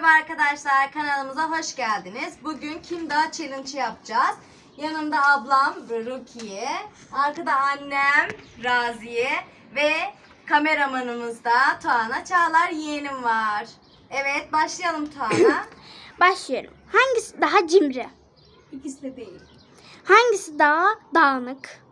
Merhaba arkadaşlar, kanalımıza hoş geldiniz. Bugün Kim Daha Challenge yapacağız. Yanımda ablam Rukiye, arkada annem Raziye ve kameramanımız da Tuana Çağlar yeğenim var. Evet, başlayalım Tuana. Başlıyorum. Hangisi daha cimri? İkisi de değil. Hangisi daha dağınık?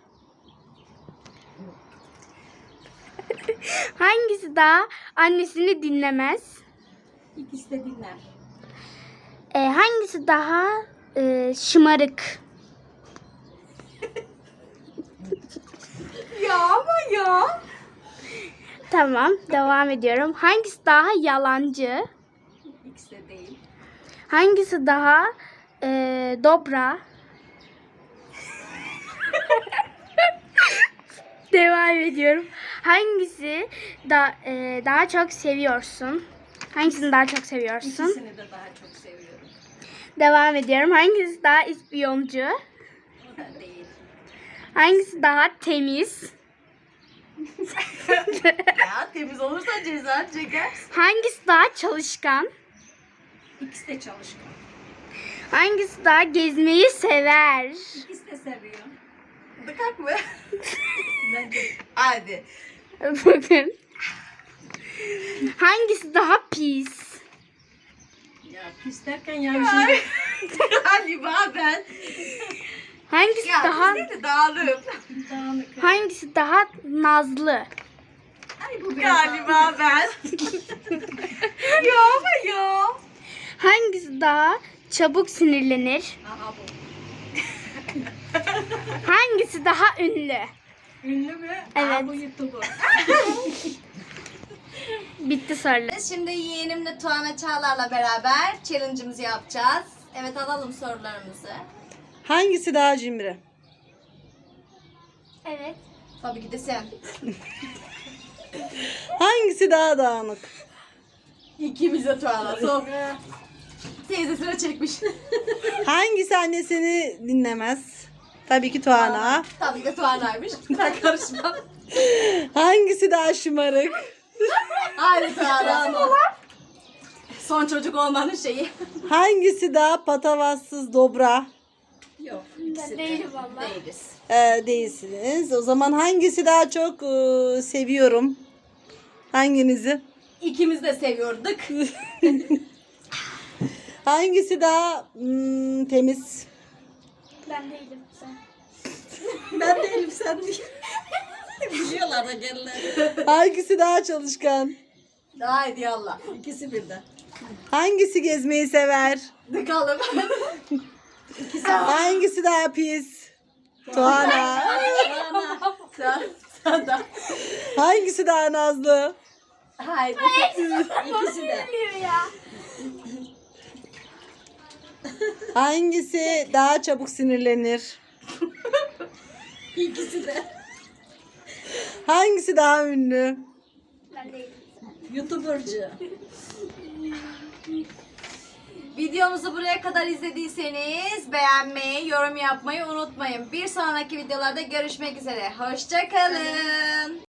Hangisi daha annesini dinlemez? İkisi de dinler. Hangisi daha şımarık? Ya ama ya. Tamam, devam ediyorum. Hangisi daha yalancı? İkisi de değil. Hangisi daha dobra? Devam ediyorum. Hangisi daha çok seviyorsun? Hangisini daha çok seviyorsun? İkisini de daha çok seviyorum. Devam ediyorum. Hangisi daha ispiyoncu? O da değil. Hangisi daha temiz? Ya temiz olursa ceza çekersin. Hangisi daha çalışkan? İkisi de çalışkan. Hangisi daha gezmeyi sever? İkisi de seviyor. Dıkak mı? Bence. Hadi. Bakın. Hangisi daha pis? Ya pis derken ya bir şey. Galiba ben. Hangisi Ya daha pis değil de dağılım. Dağınık. hangisi daha nazlı? Ay bu galiba ben. Ya ama ya. Hangisi daha çabuk sinirlenir? Aha bu. Hangisi daha ünlü? Ünlü mü? Evet. Aa, bu YouTuber. Bitti sorular. Şimdi yeğenimle Tuana Çağlar'la beraber challenge'ımızı yapacağız. Evet, alalım sorularımızı. Hangisi daha cimri? Evet. Tabii ki de sen. Hangisi daha dağınık? İkimiz de Tuana. Son. Teyzesine çekmiş. Hangisi annesini dinlemez? Tabii ki Tuana. Tabii ki de Tuana'ymış. Ben karışmam. Hangisi daha şımarık? Haydi Tuana. Son çocuk olmanın şeyi. Hangisi daha patavatsız dobra? Yok. ikisi de değilim vallahi. Değiliz. Değilsiniz. O zaman hangisi daha çok seviyorum? Hanginizi? İkimiz de seviyorduk. Hangisi daha temiz? Ben değilim. Sen. Ben değilim, sen değil. Biliyorlar da gelirler. Hangisi daha çalışkan? Haydi yallah. İkisi birden. Hangisi gezmeyi sever? Dıkalım. Hangisi daha pis? Tuana. Sen de. Hangisi daha nazlı? Haydi. İkisi de. Ya. Hangisi daha çabuk sinirlenir? İkisi de. Hangisi daha ünlü? Ben değilim. YouTuber'cı. Videomuzu buraya kadar izlediyseniz beğenmeyi, yorum yapmayı unutmayın. Bir sonraki videolarda görüşmek üzere. Hoşça kalın.